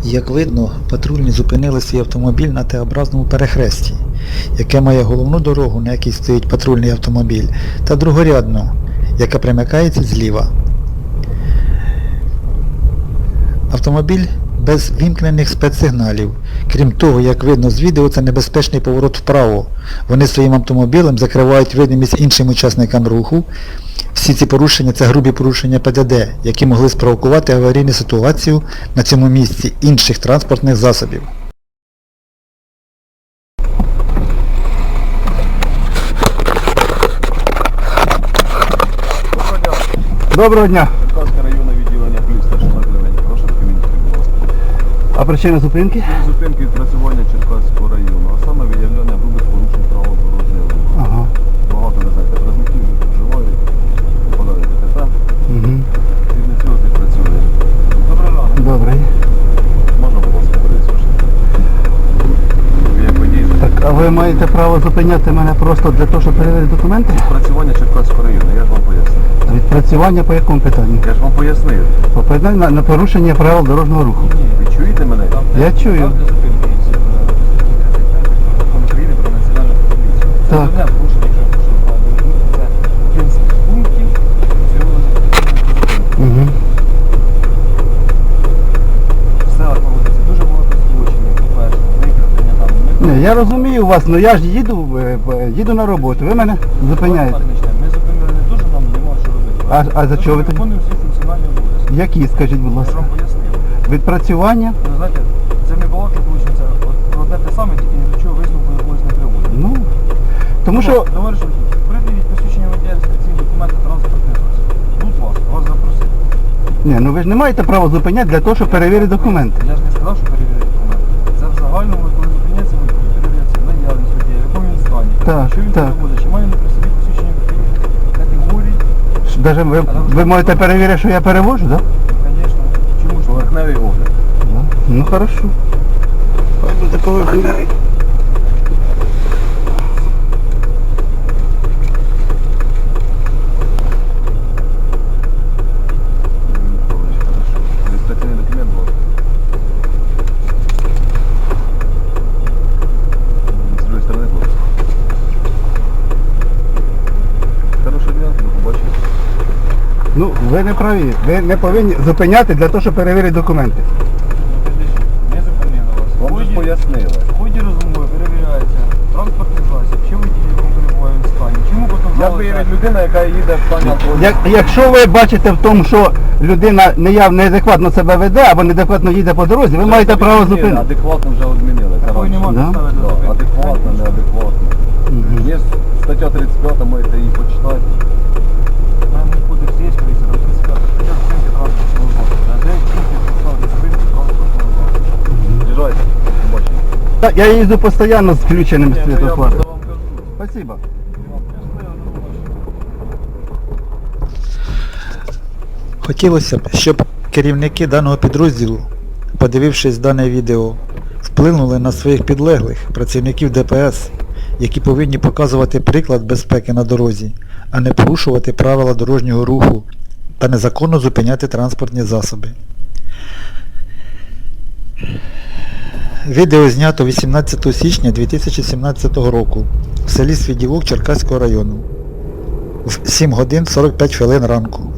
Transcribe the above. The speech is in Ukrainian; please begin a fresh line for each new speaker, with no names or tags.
Як видно, патрульні зупинили свій автомобіль на Т-образному перехресті, яке має головну дорогу, на якій стоїть патрульний автомобіль, та другорядну, яка примикається зліва. Автомобіль без вімкнених спецсигналів. Крім того, як видно з відео, це небезпечний поворот вправо. Вони своїм автомобілем закривають видимість іншим учасникам руху. Всі ці порушення – це грубі порушення ПДД, які могли спровокувати аварійну ситуацію на цьому місці інших транспортних засобів.
Доброго дня.
Черкаське районне відділення плюс старший населення. Прошу документи, будь ласка.
А причина зупинки?
Зупинки відпрацювання Черкаського району, а саме виявлення грубих порушень правил дорожнього руху.
Ага.
Багато, ви знаєте, працівників вже проживають, попадають в ДТП.
Угу.
Згідно цього відпрацює. Добрий ранок.
Добрий.
Можна, будь ласка, перейти? Як водій.
Так, а ви маєте право зупиняти мене просто для того, щоб перевірити документи?
Відпрацювання Черкаського району, я ж вам пояснив.
Відпрацювання по якому питанню?
Я ж вам пояснив.
По питанню на порушення правил дорожнього руху.
Ви чуєте мене?
Я чую. Так. Угу.
Все проводиться дуже багато злочинів, по-перше, викрадення там.
Ні, я розумію вас, але я ж їду на роботу, ви мене зупиняєте.
Ми зупинили не дуже, нам нема що робити.
А за чого ви так?
Виконуємо всі функціональні обов'язки.
Які, скажіть, будь
Я ж
ласка?
вам пояснив.
Відпрацювання?
Ви знаєте, це не балаки виходить, от про те саме, тільки ні до чого висновку якогось не приводить.
Ну, тому що...
Товариш, придивіть посвідчення водія, реєстраційні документи, транспортний засіб. Будь ласка, вас запросили.
Ні, ну ви ж не маєте права зупиняти для того, щоб перевірити документи.
Я ж не сказав, що перевірити документи. Це в загальному, коли зупиняється водій, перевіряється наявність водія, в якому він стані,
Так,
що він
так.
перевозить, чи має на при собі посвідчення категорії.
Даже ви можете перевірити, що я перевожу, так?
Звісно. Чому ж? Поверхневий огляд.
Да? Ну хорошо. Хай буде поверхневий.
Реєстраційний документ був. З другої сторони був. Хорошого дня, до побачення.
Ну, ви не праві. Ви не повинні зупиняти для того, щоб перевірити документи.
Не зупинили вас.
Ну,
Вам же пояснили. В ході розмови перевіряється транспортний засіб, чи водій, якому перебуває в стані. Чому потім
Як виявить людина, яка їде в стані алкогольного?
Якщо ви бачите в тому, що людина неадекватно себе веде або неадекватно їде по дорозі, ви маєте право зупинити.
Адекватно вже відмінили.
Такої нема
Да?
підстави для
Да,
зупинки.
адекватно, неадекватно.
Мгм.
Є стаття 35, можете її почитати.
У мене кодекс є, поліція, там 35 стаття зупинки транспортного засобу. А де тільки підстави для зупинки транспортного засобу?
З'їжджайте, побачимо.
Так, я їздю постійно з включеним
Ні, то я
світлофаром.
просто вам кажу.
Спасибо.
Хотілося б, щоб керівники даного підрозділу, подивившись дане відео, вплинули на своїх підлеглих, працівників ДПС, які повинні показувати приклад безпеки на дорозі, а не порушувати правила дорожнього руху та незаконно зупиняти транспортні засоби. Відео знято 18 січня 2017 року в селі Свіділок Черкаського району в 7 годин 45 хвилин ранку.